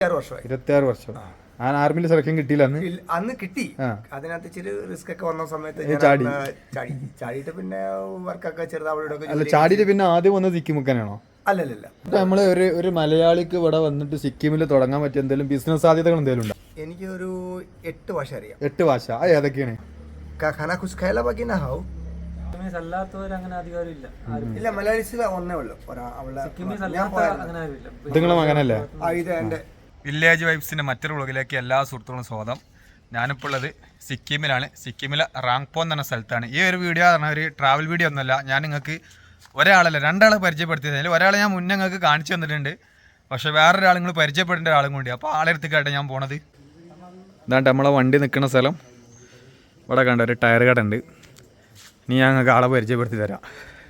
26 വർഷം. ആർമിയിൽ സെലക്ഷൻ കിട്ടിയില്ല അന്ന് കിട്ടി. അതിനകത്ത് ഇച്ചിരി റിസ്ക് ഒക്കെ വന്ന സമയത്ത് ചാടിയിട്ട് പിന്നെ വർക്കൊക്കെ ചെറുതാവിടെ ചാടിയിട്ട് പിന്നെ ആദ്യം വന്നത് സിക്കിമുക്കാനാണോ? അല്ലല്ല. നമ്മള് ഒരു മലയാളിക്ക് ഇവിടെ വന്നിട്ട് സിക്കിമിൽ തുടങ്ങാൻ പറ്റിയ എന്തെങ്കിലും ബിസിനസ് സാധ്യതകൾ എന്തെങ്കിലും ഉണ്ടോ? എനിക്ക് ഒരു 8 ഭാഷ അറിയാം. 8 ഭാഷ ഏതൊക്കെയാണ്? ഇല്ല, മലയാളീസിൽ ഒന്നേ ഉള്ളൂ. നിങ്ങളെ മകനല്ലേ? വില്ലേജ് വൈബ്സിൻ്റെ മറ്റൊരു വ്ളോഗിലേക്ക് എല്ലാ സുഹൃത്തുക്കളും സ്വാഗതം. ഞാനിപ്പോൾ ഉള്ളത് സിക്കിമിലാണ്. സിക്കിമിലെ റാങ്പോ എന്ന് പറഞ്ഞ സ്ഥലത്താണ്. ഈ ഒരു വീഡിയോ പറഞ്ഞാൽ ഒരു ട്രാവൽ വീഡിയോ ഒന്നുമല്ല. ഞാൻ നിങ്ങൾക്ക് ഒരാളല്ല 2 ആളെ പരിചയപ്പെടുത്തിയതിൽ ഒരാളെ ഞാൻ മുന്നേ നിങ്ങൾക്ക് കാണിച്ചു തന്നിട്ടുണ്ട്. പക്ഷേ വേറൊരാൾ നിങ്ങൾ പരിചയപ്പെടേണ്ട ഒരാളും കൂടി. അപ്പോൾ ആളെടുത്തേക്കാട്ടെ ഞാൻ പോണത്. ഇതാണ്ട് നമ്മളെ വണ്ടി നിൽക്കുന്ന സ്ഥലം. ഇവിടെ കണ്ട ഒരു ടയർ കട ഉണ്ട്. ഇനി ഞാൻ നിങ്ങൾക്ക് ആളെ പരിചയപ്പെടുത്തി തരാം.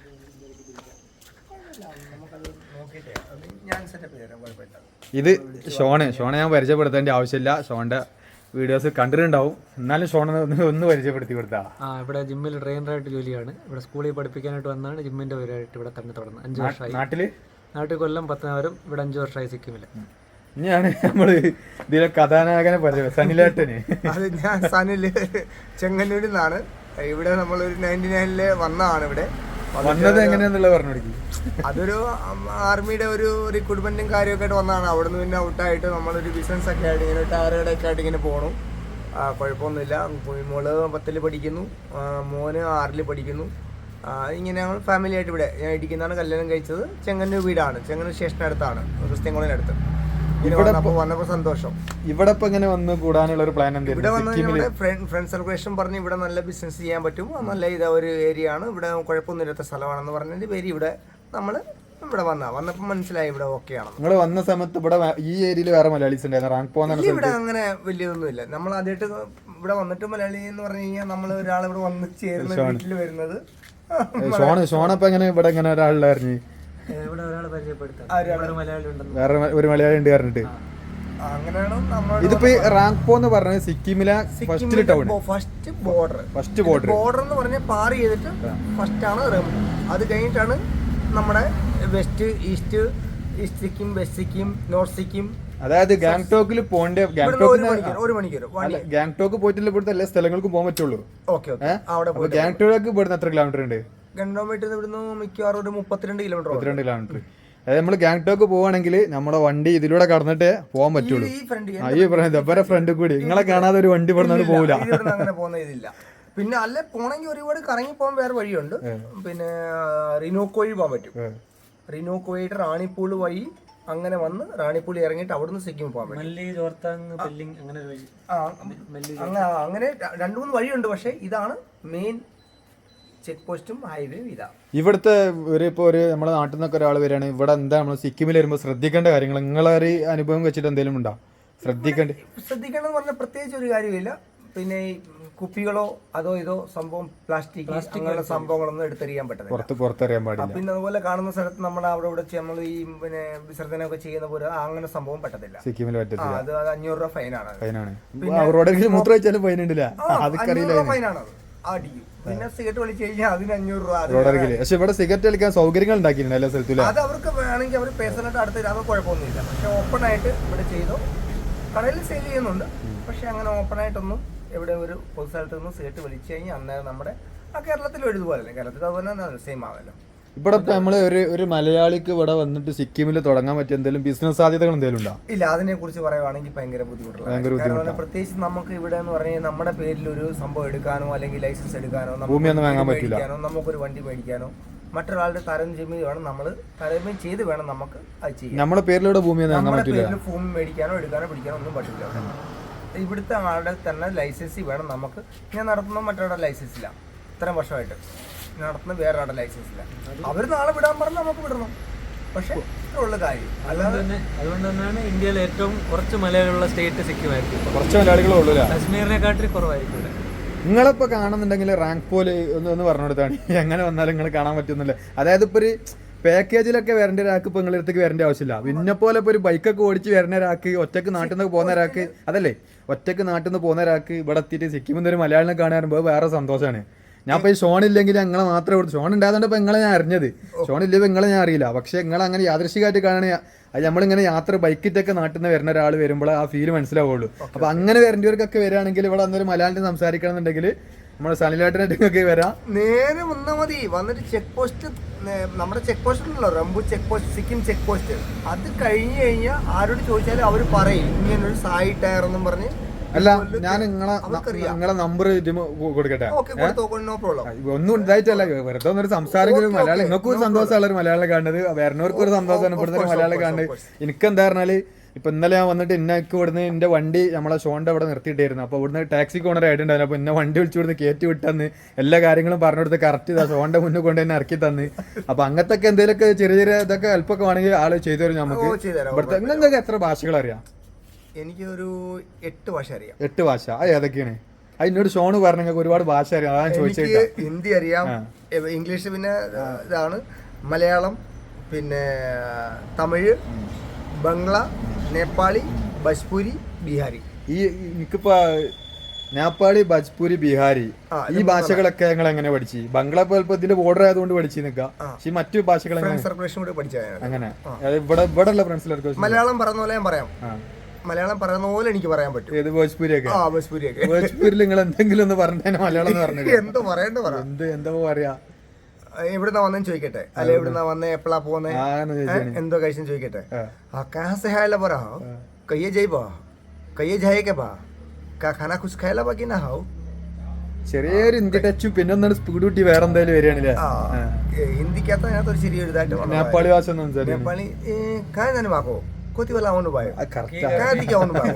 ഇത് ഷോണ് ഞാൻ പരിചയപ്പെടുത്തേണ്ട ആവശ്യമില്ല. ഷോണിന്റെ വീഡിയോസ് കണ്ടിട്ടുണ്ടാവും. എന്നാലും ഷോൺ ഒന്ന് പരിചയപ്പെടുത്തി കൊടുത്താ. ഇവിടെ ജിമ്മിൽ ട്രെയിനറായിട്ട് ജോലിയാണ്. ഇവിടെ സ്കൂളിൽ പഠിപ്പിക്കാനായിട്ട് വന്നാണ് ജിമ്മിന്റെ പേരായിട്ട് ഇവിടെ തന്നെ തുടർന്ന് 5 വർഷമായി. നാട്ടിൽ കൊല്ലം പത്തനാപുരം. ഇവിടെ 5 വർഷമായി സിക്കിമില്. ഇനിയാണ് നമ്മള് ഇതിലെ കഥാനായകനെ പരിചയം സനിലേട്ടന്. അത് ഞാൻ സനില് ചെങ്ങന്നൂരിൽ നിന്നാണ്. ഇവിടെ നമ്മളൊരു 99-ല് വന്നതാണ്. ഇവിടെ വന്നത് എങ്ങനെയാന്നുള്ളത് പറഞ്ഞു കൊടുക്കി. അതൊരു ആർമിയുടെ ഒരു റിക്രൂട്ട്മെന്റും കാര്യമൊക്കെ ആയിട്ട് വന്നതാണ്. അവിടെ നിന്ന് പിന്നെ ഔട്ടായിട്ട് നമ്മളൊരു ബിസിനസ് ഒക്കെ ആയിട്ട് ഇങ്ങനെ ടയറുകടയൊക്കെ ആയിട്ട് ഇങ്ങനെ പോകണം. കുഴപ്പമൊന്നുമില്ല. മോള് 10ൽ പഠിക്കുന്നു, മോന് 6ൽ പഠിക്കുന്നു. ഇങ്ങനെ ഞങ്ങൾ ഫാമിലി ആയിട്ട് ഇവിടെ ഞാൻ ഇടിക്കുന്നതാണ് കല്യാണം കഴിച്ചത്. ചെങ്ങന്നൂർ വീടാണ്. ചെങ്ങന്നൂർ സ്റ്റേഷനടുത്താണ്, ക്രിസ്ത്യൻ കോളേജിനടുത്ത്. വന്നപ്പോ സന്തോഷം. ഇവിടെ ഇപ്പൊ ഇങ്ങനെ വന്ന് കൂടാനുള്ള ഒരു പ്ലാൻ ഇവിടെ വന്ന് ഫ്രണ്ട് സർക്കുലേഷൻ പറഞ്ഞ് ഇവിടെ നല്ല ബിസിനസ് ചെയ്യാൻ പറ്റും, നല്ല ഒരു ഏരിയ ആണ്, ഇവിടെ കുഴപ്പമൊന്നുമില്ലാത്ത സ്ഥലമാണെന്ന് പറഞ്ഞതിന്റെ പേര് ഇവിടെ നമ്മള് ഇവിടെ വന്നപ്പോ മനസ്സിലായി ഇവിടെ ഓക്കെ ആണ്. നിങ്ങൾ വന്ന സമയത്ത് ഇവിടെ ഈ ഏരിയയിൽ വേറെ മലയാളീസ് ഉണ്ടായിരുന്നു? ഇവിടെ അങ്ങനെ വലിയൊന്നുമില്ല. നമ്മൾ ആദ്യമായിട്ട് ഇവിടെ വന്നിട്ട് മലയാളി എന്ന് പറഞ്ഞു കഴിഞ്ഞാൽ നമ്മൾ ഒരാൾ ഇവിടെ വന്ന് ചേർന്ന് വീട്ടിൽ വരുന്നത്. ഷോണപ്പ എങ്ങനെ ഇവിടെ ഇങ്ങനെ ഒരാളുണ്ടായിരുന്നു? വേറെ ഒരു മലയാളി ഉണ്ട് പറഞ്ഞിട്ട്. ഇതിപ്പോ റാങ്പോ എന്ന് പറഞ്ഞത് സിക്കിമിലെ ഫസ്റ്റ് ടൗൺ, ഫസ്റ്റ് ബോർഡർ എന്ന് പറഞ്ഞാൽ പാർ ചെയ്തിട്ട് ഫസ്റ്റ് ആണ് റെമു. അത് കഴിഞ്ഞിട്ടാണ് നമ്മുടെ west east Sikkim, west Sikkim, north Sikkim. അതായത് ഗാങ്ടോക്കിൽ പോകേണ്ട ഒരു മണിക്കൂർ ഗാങ്ടോക്ക് പോയിട്ടില്ല. ഇവിടുത്തെ എല്ലാ സ്ഥലങ്ങൾക്കും പോകാൻ പറ്റുള്ളൂ. ഗാങ്ടോക്ക് ഇവിടുന്ന് എത്ര കിലോമീറ്റർ ഉണ്ട്? ഗണ്ടോമീറ്റർ ഇവിടുന്ന് മിക്കവാറും ഒരു 32 കിലോമീറ്റർ. അതായത് നമ്മൾ ഗാങ്ടോക്ക് പോവാണെങ്കിൽ നമ്മുടെ വണ്ടി ഇതിലൂടെ കടന്നിട്ടേ പോകാൻ പറ്റുള്ളൂ. ഈ പറഞ്ഞ ഫ്രണ്ട് കൂടി നിങ്ങളെ കാണാതെ ഒരു വണ്ടി പറഞ്ഞാൽ പോകില്ല. അങ്ങനെ പോകുന്ന ഇതില്ല. പിന്നെ അല്ലെ പോണെങ്കിൽ ഒരുപാട് കറങ്ങി പോകാൻ വേറെ വഴിയുണ്ട്. പിന്നെ റിനോക്ക് വഴി പോകാൻ പറ്റും. റിനോക്ക് വഴിയിട്ട് റാണിപ്പൂൾ വഴി അങ്ങനെ വന്ന് റാണിപ്പൂൾ ഇറങ്ങിയിട്ട് അവിടുന്ന് സിക്കിം പോകാൻ പറ്റും. അങ്ങനെ 2-3 വഴിയുണ്ട്. പക്ഷെ ഇതാണ് മെയിൻ ചെക്ക് പോസ്റ്റും ഹൈവേ ഇതാ. ഇവിടുത്തെ ഒരു നമ്മുടെ നാട്ടിൽ നിന്നൊക്കെ ഒരാൾ വരികയാണ് ഇവിടെ എന്താ നമ്മൾ സിക്കിമിൽ വരുമ്പോൾ ശ്രദ്ധിക്കേണ്ട കാര്യങ്ങൾ നിങ്ങളെ ഒരു അനുഭവം വെച്ചിട്ട് എന്തെങ്കിലും ഉണ്ടോ? ശ്രദ്ധിക്കേണ്ടതെന്ന് പറഞ്ഞാൽ പ്രത്യേകിച്ച് ഒരു കാര്യമില്ല. പിന്നെ ഈ കുപ്പികളോ അതോ ഇതോ സംഭവം പ്ലാസ്റ്റിക് അങ്ങനെയുള്ള സംഭവങ്ങളൊന്നും എടുത്തെറിയാൻ പറ്റില്ല, പുറത്തെറിയാൻ പാടില്ല. പിന്നെ അതുപോലെ കാണുന്ന സ്ഥലത്ത് നമ്മൾ അവിടെ നമ്മൾ ഈ പിന്നെ വിസർജനമൊക്കെ ചെയ്യുന്ന പോലെ അങ്ങനെ സംഭവം പറ്റത്തില്ല സിക്കിമിൽ. അത് 500 രൂപ ഫൈനാണ്. ഫൈനാണ് അടിക്കും. പിന്നെ സിഗരറ്റ് വലിച്ചു കഴിഞ്ഞാൽ അതിന് 500 രൂപ. പക്ഷെ ഇവിടെ സിഗരറ്റ് വലിക്കാൻ സൗകര്യങ്ങൾ ഉണ്ടാക്കിയിട്ടുണ്ട് എല്ലാ സ്ഥലത്തും. അത് അവർക്ക് വേണമെങ്കിൽ അവർ പേഴ്സണലായിട്ട് അടുത്ത് അത് കുഴപ്പമൊന്നുമില്ല. പക്ഷെ ഓപ്പൺ ആയിട്ട് ഇവിടെ ചെയ്തോ കടയിൽ സെയിൽ ചെയ്യുന്നുണ്ട്. പക്ഷെ അങ്ങനെ ഓപ്പൺ ആയിട്ടൊന്നും ഇവിടെ ഒരു പൊതു സ്ഥലത്ത് നിന്ന് സിഗരറ്റ് വലിച്ചു കഴിഞ്ഞാൽ അന്നേരം നമ്മുടെ കേരളത്തിൽ എഴുതുപോലെ കേരളത്തിൽ അതുപോലെ സെയിം ആവല്ലോ. ഇവിടെ ഇപ്പൊ നമ്മള് ഒരു മലയാളിക്ക് ഇവിടെ വന്നിട്ട് സിക്കിമിൽ തുടങ്ങാൻ പറ്റിയ എന്തെങ്കിലും ബിസിനസ് സാധ്യതകൾ എന്തെങ്കിലും ഉണ്ടോ? ഇല്ല, അതിനെ കുറിച്ച് പറയുവാണെങ്കിൽ ഭയങ്കര ബുദ്ധിമുട്ടുള്ള. പ്രത്യേകിച്ച് നമുക്ക് ഇവിടെ എന്ന് പറഞ്ഞാൽ നമ്മുടെ പേരിൽ ഒരു സംഭവം എടുക്കാനോ അല്ലെങ്കിൽ ലൈസൻസ് എടുക്കാനോ നമുക്കൊരു വണ്ടി മേടിക്കാനോ മറ്റൊരാളുടെ താരതമ്യം വേണം. നമ്മൾ താരതമ്യം ചെയ്ത് വേണം നമുക്ക് അത് ചെയ്യാം. നമ്മുടെ പേരിലൂടെ ഭൂമി ഭൂമി മേടിക്കാനോ എടുക്കാനോ പിടിക്കാനോ ഒന്നും പറ്റില്ല. ഇവിടുത്തെ ആളുടെ തന്നെ ലൈസൻസ് വേണം നമുക്ക്. ഞാൻ നടത്തുന്ന മറ്റൊരാളുടെ ലൈസൻസ് ഇല്ല. ഇത്രയും വർഷമായിട്ട് നടത്തുന്ന വേറെ ആളുടെ ലൈസൻസ് ഇല്ല. അവർ നാളെ വിടാൻ പറഞ്ഞ് നമുക്ക് വിടണം. പക്ഷെ ഇത്രയുള്ള കാര്യം അല്ലാതെ അതുകൊണ്ട് തന്നെയാണ് ഇന്ത്യയിൽ ഏറ്റവും കുറച്ച് മലയാളികളുള്ള സ്റ്റേറ്റ് സിക്കിം ആയിരിക്കും. കുറച്ച് മലയാളികളേ ഉള്ളൂ. കാശ്മീരിനെക്കാട്ടിൽ കുറവായിരിക്കും. നിങ്ങളിപ്പോൾ കാണുന്നുണ്ടെങ്കിൽ റാങ്ക് പോലെ ഒന്ന് പറഞ്ഞു കൊടുത്താണ് എങ്ങനെ വന്നാലും നിങ്ങൾ കാണാൻ പറ്റുന്നില്ല. അതായത് ഇപ്പോൾ ഒരു പാക്കേജിലൊക്കെ വരേണ്ട ഒരാൾക്ക് ഇപ്പോൾ നിങ്ങളുടെ അടുത്തേക്ക് വരേണ്ട ആവശ്യമില്ല. പിന്നെ പോലെ ഇപ്പോൾ ഒരു ബൈക്കൊക്കെ ഓടിച്ച് വരുന്ന ഒരാൾക്ക്, ഒറ്റക്ക് നാട്ടിൽ നിന്ന് പോകുന്ന ഒരാൾക്ക്, അതല്ലേ ഒറ്റക്ക് നാട്ടിൽ നിന്ന് പോകുന്ന ഒരാൾക്ക് ഇവിടെ എത്തിയിട്ട് സിക്കിമിൽ ഒരു മലയാളിനെ കാണാറുമ്പോൾ വേറെ സന്തോഷമാണ്. ഞാൻ ഇപ്പോൾ ഈ ഷോണില്ലെങ്കിൽ ഞങ്ങളെ മാത്രമേ കൊടുത്തു. ഷോൺ ഉണ്ടായതുകൊണ്ട് ഇപ്പോൾ നിങ്ങളെ ഞാൻ അറിഞ്ഞത്. ഷോൺ ഇല്ലെങ്കിൽ നിങ്ങളെ ഞാൻ അറിയില്ല. പക്ഷേ നിങ്ങൾ അങ്ങനെ യാദൃശികമായിട്ട് കാണുകയാണെങ്കിൽ അത് നമ്മളിങ്ങനെ യാത്ര ബൈക്കിറ്റൊക്കെ നാട്ടിൽ നിന്ന് വരുന്ന ഒരാൾ വരുമ്പോൾ ആ ഫീൽ മനസ്സിലാവുള്ളൂ. അപ്പൊ അങ്ങനെ വരേണ്ടവർക്കൊക്കെ വരികയാണെങ്കിൽ ഇവിടെ വന്നൊരു മലയാളം സംസാരിക്കണം എന്നുണ്ടെങ്കിൽ നമ്മുടെ സനിലായിട്ടൊക്കെ വരാം. നേരെ വന്നാൽ മതി. വന്നിട്ട് ചെക്ക് പോസ്റ്റ്, നമ്മുടെ ചെക്ക് പോസ്റ്റ് ഉണ്ടല്ലോ, Rangpo check post, Sikkim check post, അത് കഴിഞ്ഞ് കഴിഞ്ഞാൽ ആരോട് ചോദിച്ചാലും അവർ പറയും ഇങ്ങനൊരു സായി ടയർ എന്നും പറഞ്ഞ്. അല്ല, ഞാൻ നിങ്ങളെ നമ്പർ കൊടുക്കട്ടെ. No problem. ഒന്നും ഉണ്ടായിട്ടല്ല, വെറുതെ ഒന്നൊരു സംസാരം. മലയാളം നിങ്ങൾക്കും ഒരു സന്തോഷമുള്ള ഒരു മലയാളം കാണുന്നത്, വരുന്നവർക്കും ഒരു സന്തോഷം അനുഭവപ്പെടുന്ന ഒരു മലയാളം കാണുന്നത്. എനിക്ക് എന്താ പറഞ്ഞാല് ഇപ്പൊ ഇന്നലെ ഞാൻ വന്നിട്ട് ഇന്നക്ക് ഇവിടുന്ന് എന്റെ വണ്ടി നമ്മളെ ഷോന്റെ അവിടെ നിർത്തിയിട്ടായിരുന്നു. അപ്പൊ ഇവിടുന്ന് ടാക്സി ഓണർ ആയിട്ടുണ്ടായിരുന്നു. അപ്പൊ എന്നെ വണ്ടി വിളിച്ചു കൊടുത്ത് കയറ്റി വിട്ടെന്ന് എല്ലാ കാര്യങ്ങളും പറഞ്ഞു കൊടുത്ത് കറക്റ്റ് ഇതാ ഷോന്റെ മുന്നിൽ കൊണ്ട് തന്നെ ഇറക്കി തന്ന്. അപ്പൊ അങ്ങനത്തെ എന്തെങ്കിലുമൊക്കെ ചെറിയ ചെറിയ ഇതൊക്കെ ഹെൽപ്പൊക്കെ വേണമെങ്കിൽ ആള് ചെയ്തു തരും നമുക്ക്. ഇവിടുത്തെ നിങ്ങൾക്ക് എത്ര ഭാഷകൾ അറിയാം? എനിക്ക് ഒരു 8 ഭാഷ അറിയാം. 8 ഭാഷ? അത് ഏതൊക്കെയാണ്? അത് എന്നോട് ഷോണ് പറഞ്ഞ ഒരുപാട് ഭാഷ അറിയാം, അതാണ് ചോദിച്ചത്. ഹിന്ദി അറിയാം, ഇംഗ്ലീഷ്, പിന്നെ ഇതാണ് മലയാളം, പിന്നെ തമിഴ്, ബംഗ്ല, നേപ്പാളി, ഭോജ്പൂരി, ബീഹാരി. ഈ എനിക്കിപ്പോ നേപ്പാളി, ഭോജ്പൂരി, ബീഹാരി ഈ ഭാഷകളൊക്കെ ഞങ്ങൾ എങ്ങനെ പഠിച്ചു? ബംഗ്ല പോലപ്പോ ഇതിന്റെ ബോർഡർ ആയതുകൊണ്ട് പഠിച്ചു നിൽക്കാം. പക്ഷെ മറ്റു ഭാഷകൾ അങ്ങനെ ഇവിടെ ഉള്ള ഫ്രണ്ട്സിലൊക്കെ മലയാളം പറയുന്ന പോലെ ഞാൻ പറയാം. മലയാളം പറയുന്ന പോലെ എനിക്ക് പറയാൻ പറ്റും. ഏത് ഭോജ്പൂരിയൊക്കെ? ഭോജ്പൂരിൽ നിങ്ങൾ എന്തെങ്കിലും ഒന്ന് പറഞ്ഞ മലയാളം എന്ന് പറഞ്ഞു. എന്തോ പറയണ്ട പറ. എന്താ പറയാ? എവിടുന്നാ വന്നെന്ന് ചോദിക്കട്ടെ, അല്ലെ എവിടുന്നാ വന്നേ, എപ്പോഴാ പോന്നേ, എന്തോ കഴിച്ചെന്ന് ചോദിക്കട്ടെ. പറ കയ്യെ ജയ്ബോ, കയ്യെ ജായക്കെ ബാ, ഖാന കുച്ച് ഖായല ബാക്കി നാ ഹാവ്. ചെറിയൊരു ഹിന്ദി ടച്ചും പിന്നെ ഒന്നാണ് സ്പീഡ് കൂട്ടി വേറെ എന്തായാലും വരികയാണല്ലേ. ഹിന്ദിക്കകത്ത് അതിനകത്ത് ഒരു ചെറിയ ഇതായിട്ട് നേപ്പാളി ഭാഷ നേപ്പാളി കാര്യം വാക്കോ കൊത്തി വല്ല അവന് പോയോ അവന് പോയോ.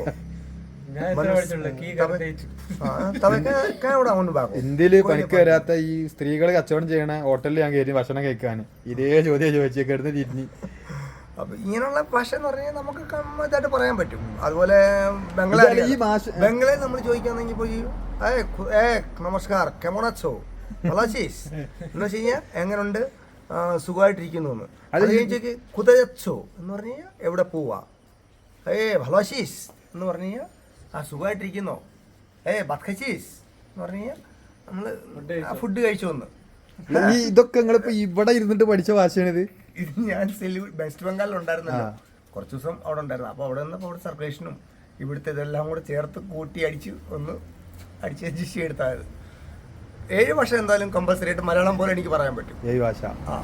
ഇന്ത്യയില് പണിക്ക് വരാത്ത ഈ സ്ത്രീകൾ കച്ചവടം ചെയ്യണ ഹോട്ടലിൽ ഞാൻ കയറി ഭക്ഷണം കഴിക്കാൻ ഇതേ ചോദ്യം ചോദിച്ചേക്കായിരുന്നു തിരിഞ്ഞ്. അപ്പൊ ഇങ്ങനെയുള്ള ഭാഷ എന്ന് പറഞ്ഞാൽ നമുക്ക് ഇതായിട്ട് പറയാൻ പറ്റും. അതുപോലെ ബംഗ്ലാദേശ്, ഈ ഭാഷ ബംഗ്ലയിൽ നമ്മൾ ചോദിക്കാന്നെങ്കിൽ പോയി നമസ്കാർ കെമോണച്ചോ വളാശീസ് എന്ന് വെച്ച് കഴിഞ്ഞാൽ എങ്ങനുണ്ട്, സുഖമായിട്ടിരിക്കുന്നു എന്ന്. അത് കഴിഞ്ഞ് കുതച്ചോ എന്ന് പറഞ്ഞു കഴിഞ്ഞാൽ എവിടെ പോവാ, ഭലോശീസ് എന്ന് പറഞ്ഞു കഴിഞ്ഞാൽ ആ സുഖമായിട്ടിരിക്കുന്നോ, ബത്ഖച്ചീസ് എന്ന് പറഞ്ഞു കഴിഞ്ഞാൽ നമ്മള് ഫുഡ് കഴിച്ചു വന്ന്. ഇതൊക്കെ നിങ്ങളിപ്പോ ഇവിടെ ഇരുന്നിട്ട് പഠിച്ച ഭാഷയാണിത്? ഇത് ഞാൻ വെസ്റ്റ് ബംഗാളിൽ ഉണ്ടായിരുന്നല്ലോ, കുറച്ച് ദിവസം അവിടെ ഉണ്ടായിരുന്നു. അപ്പോൾ അവിടെ നിന്നപ്പോൾ അവിടെ സർക്കുലേഷനും ഇവിടുത്തെ ഇതെല്ലാം കൂടെ ചേർത്ത് കൂട്ടി അടിച്ച് അഡ്ജസ്റ്റ് എടുത്തായത്. 7 ഭാഷ എന്തായാലും കമ്പൽസറി ആയിട്ട് മലയാളം പോലെ എനിക്ക് പറയാൻ പറ്റും. 7 ഭാഷ.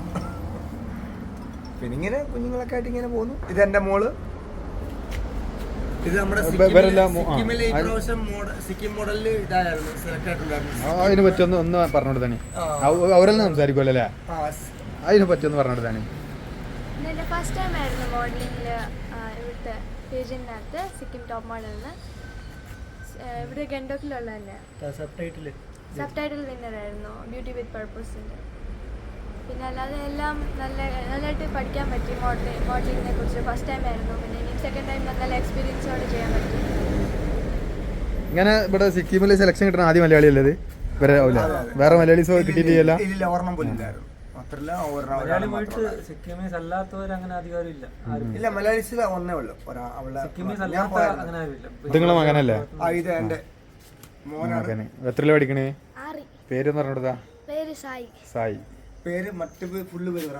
പിന്നെ ഇങ്ങനെ കുഞ്ഞുങ്ങളൊക്കെ ആയിട്ട് ഇങ്ങനെ പോകുന്നു. ഇത് എന്റെ മോള്. ഇത് നമ്മുടെ സിക്കിം മോഡലിൽ ഇതായിരുന്നു, സെലക്ട് ആയിട്ടുണ്ടായിരുന്നു. അതിനെ പറ്റി ഒന്ന് പറഞ്ഞോട്ട് തന്നെ അവരെല്ലാം സംസാരിക്കുമല്ലോ അല്ലേ? അതിനെ പറ്റി ഒന്ന് പറഞ്ഞോട്ട് തന്നെ. ഫസ്റ്റ് ടൈം ആയിരുന്നു മോഡലിംഗിൽ ഇവിടുത്തെ പേജിനകത്ത് സിക്കിം ടോപ്പ് മോഡലിന്. ഇവിടെ ഗണ്ടോക്കിലുള്ള തന്നെ സബ് ടൈറ്റിൽ വിന്നറായിരുന്നു ബ്യൂട്ടി വിത്ത് പർപ്പസിൻ്റെ. പിന്നെ അല്ലാതെ എല്ലാം നല്ലതായിട്ട് പഠിക്കാൻ പറ്റി. മോഡലിങ്ങിനെ കുറിച്ച് ഫസ്റ്റ് ടൈം ആയിരുന്നു. പിന്നെ ഇനി സെക്കൻഡ് ടൈം നല്ല എക്സ്പീരിയൻസോടെ ചെയ്യാൻ പറ്റി. ഇങ്ങനെ ഇവിടെ സിക്കിമിൽ സെലക്ഷൻ കിട്ടുന്ന ആദ്യം മലയാളി അല്ലത്? വേറെ മലയാളീസ് കിട്ടിയിട്ടില്ല. ഇല്ല, മലയാളീസിൽ ഒന്നേ ഉള്ളൂ. നിങ്ങളെ മകനല്ലേ? മോനാണ്. എത്രയില പഠിക്കണേ? പേര് പറഞ്ഞോടാ. സായി. പേര് മറ്റു ഫുള്ള് പേര്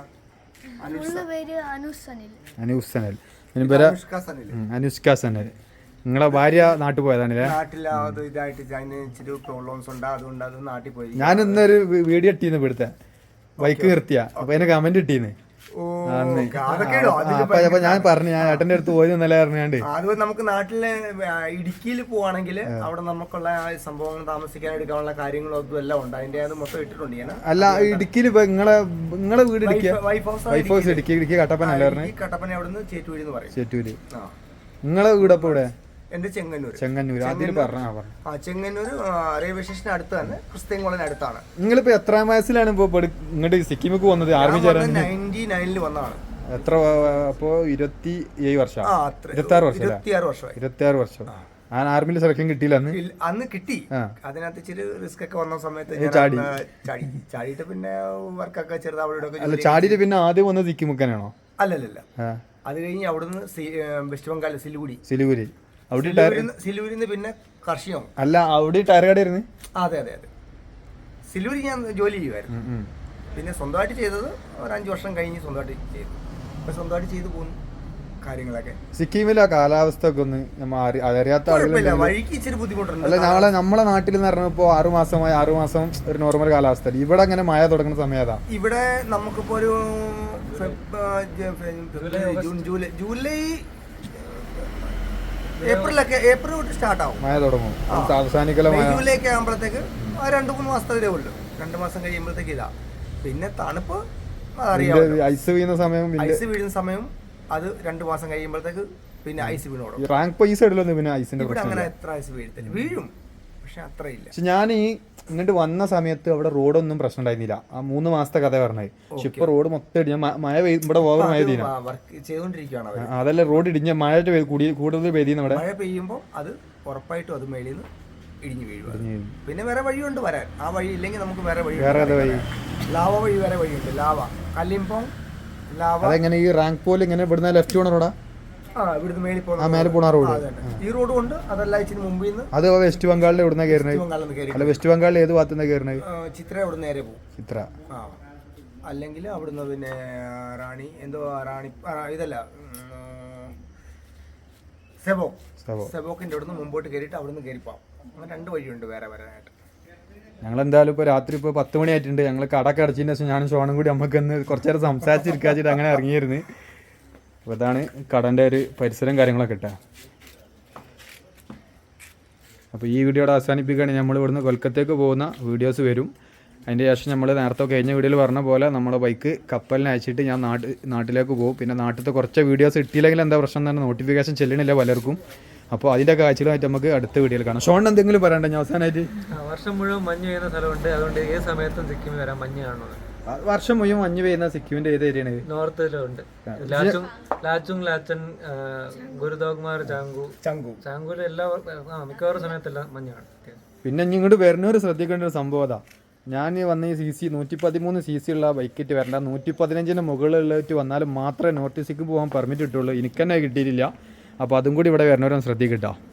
അനൂസ് സനൽ. അനുഷ്ക സനൽ. നിങ്ങളെ ഭാര്യ നാട്ടിൽ പോയതാണല്ലേ? നാട്ടിലാവത് ഇതായിട്ട് ഇച്ചിരി പ്രോബ്ലംസ് ഉണ്ട്, അതുകൊണ്ട് അത് നാട്ടിൽ പോയി. ഞാൻ ഇന്നൊരു വീഡിയോ ഇട്ടീന്ന് ഇവിടുത്തെ ബൈക്ക് നിർത്തിയ, അപ്പൊ അതിന് കമന്റ് ഇട്ടീന്ന്. അപ്പൊ ഞാൻ പറഞ്ഞു, ഞാൻ ഏട്ടന്റെ അടുത്ത് പോയി ഇന്നലെ പറഞ്ഞാണ്ട്. അതുപോലെ നമുക്ക് നാട്ടിലെ ഇടുക്കിയിൽ പോവാണെങ്കിൽ അവിടെ നമുക്കുള്ള സംഭവങ്ങൾ, താമസിക്കാൻ എടുക്കാനുള്ള കാര്യങ്ങളും അതും എല്ലാം ഉണ്ട്. അതിന്റെ അത് മൊത്തം ഇട്ടിട്ടുണ്ട് ഞാൻ. അല്ല, ഇടുക്കിയിൽ ഇപ്പൊ നിങ്ങളെ വീട് വൈഫ് ഹൗസ് ഇടുക്കി കട്ടപ്പന അല്ലേ പറഞ്ഞത്? കട്ടപ്പന അവിടുന്ന് ചേറ്റൂര് എന്ന് പറയും. ചേറ്റൂര്. നിങ്ങളെ വീടപ്പോ ഇവിടെ? എന്റെ ചെങ്ങന്നൂർ. ചെങ്ങന്നൂർ റെയിൽവേ സ്റ്റേഷൻ അടുത്ത് തന്നെ, ക്രിസ്ത്യൻ കോളേജിന് അടുത്താണ്. നിങ്ങളിപ്പോ എത്രാം വയസ്സിലാണ് ഇങ്ങോട്ട് സിക്കിമിക്ക് വന്നത്? ആർമി ചേരാൻ 99 വന്നതാണ്. എത്ര? അപ്പോ 27 വർഷം. 26 വർഷം. ആ ആർമിയിൽ സെലക്ഷൻ കിട്ടിയില്ല അന്ന് കിട്ടി. അതിനകത്ത് ഇച്ചിരി റിസ്ക് ഒക്കെ വന്ന സമയത്ത് ചാടിയിട്ട് പിന്നെ വർക്കൊക്കെ ചെറുതാവിടെ. ചാടിയിട്ട് പിന്നെ ആദ്യം വന്നത് സിക്കിമുക്കാനാണോ? അല്ലല്ല, അത് കഴിഞ്ഞ് അവിടുന്ന് വെസ്റ്റ് ബംഗാൾ സിലിഗുരി. സിലിഗുരിന്ന് പിന്നെ കർഷികം. അല്ല, അവിടെ ടയർ കടയായിരുന്നു. അതെ. സിലിഗുരി ഞാൻ ജോലി ചെയ്യുമായിരുന്നു. പിന്നെ സ്വന്തമായിട്ട് ചെയ്തത് ഒരു 5 വർഷം കഴിഞ്ഞ് സ്വന്തമായിട്ട് ചെയ്തു. അപ്പൊ സ്വന്തമായിട്ട് ചെയ്തു പോകുന്നു. കാര്യങ്ങളൊക്കെ. സിക്കിമിലെ കാലാവസ്ഥ ഒക്കെ ഒന്ന് നമ്മൾ അറിയാത്ത കുഴപ്പമില്ല, ആളുകൾ വഴിക്ക് ഇച്ചിരി ബുദ്ധിമുട്ടുണ്ട്. അല്ല നമ്മളെ നാട്ടിൽ എന്ന് പറഞ്ഞാൽ ഇപ്പോൾ 6 മാസം ഒരു നോർമൽ കാലാവസ്ഥ. ഇവിടെ അങ്ങനെ മഴ തുടങ്ങുന്ന സമയം അതാ. ഇവിടെ നമുക്കിപ്പോ ഒരു ജൂലൈ ഏപ്രിൽ തൊട്ട് സ്റ്റാർട്ട് ആവും മഴ തുടങ്ങും. അവസാനിക്കല മഴ ജൂലൈ ഒക്കെ ആകുമ്പോഴത്തേക്ക് 2-3 മാസത്തെ വരെ ഉള്ളു. 2 മാസം കഴിയുമ്പോഴത്തേക്ക് ഇതാ. പിന്നെ തണുപ്പ് അറിയാം, ഐസ് വീഴുന്ന സമയം ഐസ് വീഴുന്ന സമയം അത് 2 മാസം കഴിയുമ്പോഴത്തേക്ക് പിന്നെ ഐസ് വീണോടും. റാങ്ക് ഈ സൈഡിലൊന്നും പിന്നെ ഐസിന്റെ ഇവിടെ പ്രശ്നം അങ്ങനെ എത്ര ഐസ് വീഴത്തില്ല, വീഴും പക്ഷെ അത്രയില്ല. പക്ഷെ ഞാൻ ഈ ഇങ്ങോട്ട് വന്ന സമയത്ത് അവിടെ റോഡൊന്നും പ്രശ്നം ഉണ്ടായിരുന്നില്ല. ആ 3 മാസത്തെ കഥ പറഞ്ഞത്. പക്ഷെ ഇപ്പൊ റോഡ് മൊത്തം ഇടിഞ്ഞ മഴ ഇവിടെ ഓവർ മഴ പെയ്യുന്ന വർക്ക് ചെയ്തോണ്ടിരിക്കുകയാണ് അവർ. അതല്ല റോഡ് ഇടിഞ്ഞ മഴ കൂടുതൽ പെയ്യുന്ന ഇവിടെ മഴ പെയ്യുമ്പോൾ അത് ഉറപ്പായിട്ടും അത് മേളിൽ നിന്ന് ഇടിഞ്ഞു വീഴും. പിന്നെ വേറെ വഴിയുണ്ട് വരാൻ. ആ വഴി ഇല്ലെങ്കിൽ നമുക്ക് വേറെ വഴി, ലാവ വഴി വേറെ വഴിയുണ്ട്. ലാവ കല്ലിംപോങ് ലാവ. അതെങ്ങനെ ഈ റാങ്ക് പോലെ ഇങ്ങനെ ഇവിടുന്ന് ലെഫ്റ്റ് പോണ റോഡാ? ഇവിടുന്ന് മേളിൽ മേലെ പോണ റോഡ്. ഈ റോഡും ഉണ്ട്. അതല്ല ഇച്ചിരി മുമ്പിൽ നിന്ന്. അത് വെസ്റ്റ് ബംഗാളിൽ എവിടുന്ന കയറുന്നത്? അല്ല വെസ്റ്റ് ബംഗാളിൽ ഏത് ഭാഗത്തുനിന്ന് കയറുന്നത്? ചിത്ര അവിടെ നേരെ പോകും. ചിത്ര. അല്ലെങ്കിൽ അവിടുന്ന് പിന്നെ റാണി ഇതല്ല സെബോക്കിന്റെ അവിടുന്ന് മുമ്പോട്ട് കയറിയിട്ട് അവിടുന്ന് കയറിപ്പോവാം. അങ്ങനെ 2 വഴിയുണ്ട് വേറെ വരാനായിട്ട്. ഞങ്ങളെന്തായാലും ഇപ്പോൾ രാത്രി ഇപ്പോൾ 10 മണി ആയിട്ടുണ്ട്. ഞങ്ങൾ കടക്ക് അടച്ചതിന് ശേഷം ഞാനും ഷോണും കൂടി നമുക്കൊന്ന് കുറച്ചു നേരം സംസാരിച്ചിരിക്കാച്ചിട്ട് അങ്ങനെ ഇറങ്ങിയിരുന്നു. അപ്പോൾ ഇതാണ് കടൻ്റെ ഒരു പരിസരം കാര്യങ്ങളൊക്കെ ഇട്ടാ. അപ്പോൾ ഈ വീഡിയോയുടെ അവസാനിപ്പിക്കുകയാണ്. നമ്മൾ ഇവിടുന്ന് കൊൽക്കത്തേക്ക് പോകുന്ന വീഡിയോസ് വരും. അതിൻ്റെ ശേഷം നമ്മൾ നേരത്തെ കഴിഞ്ഞ വീഡിയോയിൽ പറഞ്ഞ പോലെ നമ്മളെ ബൈക്ക് കപ്പലിനെ അയച്ചിട്ട് ഞാൻ നാട്ടിലേക്ക് പോകും. പിന്നെ നാട്ടിലത്തെ കുറച്ച് വീഡിയോസ് ഇട്ടില്ലെങ്കിൽ എന്താ പ്രശ്നം തന്നെ നോട്ടിഫിക്കേഷൻ ചെല്ലണില്ല പലർക്കും. അപ്പോൾ അതിൻ്റെ കാഴ്ചകളായിട്ട് നമുക്ക് അടുത്ത വീഡിയോയിൽ കാണാം. ഷോൺ എന്തെങ്കിലും പറയണ്ടേ ഞാൻ അവസാനമായിട്ട്? വർഷം മുഴുവൻ മഞ്ഞ് പെയ്യുന്ന സ്ഥലമുണ്ട്, അതുകൊണ്ട് ഏത് സമയത്തും സിക്കിമിൽ വരാൻ മഞ്ഞ് കാണുന്നത്. വർഷം മുഴുവൻ മഞ്ഞ് പെയ്യുന്ന സിക്കിമിന്റെ ഏത് ഏരിയയാണ്? നോർത്തിലുണ്ട്. ലാച്ചുങ് ലാച്ചൻ, ഗുരുദോഗ്മാർ, ചാങ്കൂല് എല്ലാ മിക്കവാറും സമയത്തെല്ലാം മഞ്ഞ് കാണും. പിന്നെ ഇങ്ങോട്ട് വരുന്നവർ ശ്രദ്ധിക്കേണ്ട ഒരു സംഭവം അതാ. ഞാൻ വന്ന ഈ CC 113 CC ഉള്ള ബൈക്കിറ്റ് വരണ്ട. 115 മുകളിലുള്ളവറ്റ് വന്നാലും മാത്രമേ നോർത്ത് സിക്കിം പോകാൻ പെർമിറ്റ് കിട്ടുള്ളൂ. എനിക്ക് തന്നെ കിട്ടിയിട്ടില്ല. അപ്പോൾ അതും കൂടി ഇവിടെ വരുന്നവരൊന്നും ശ്രദ്ധിക്കട്ടോ.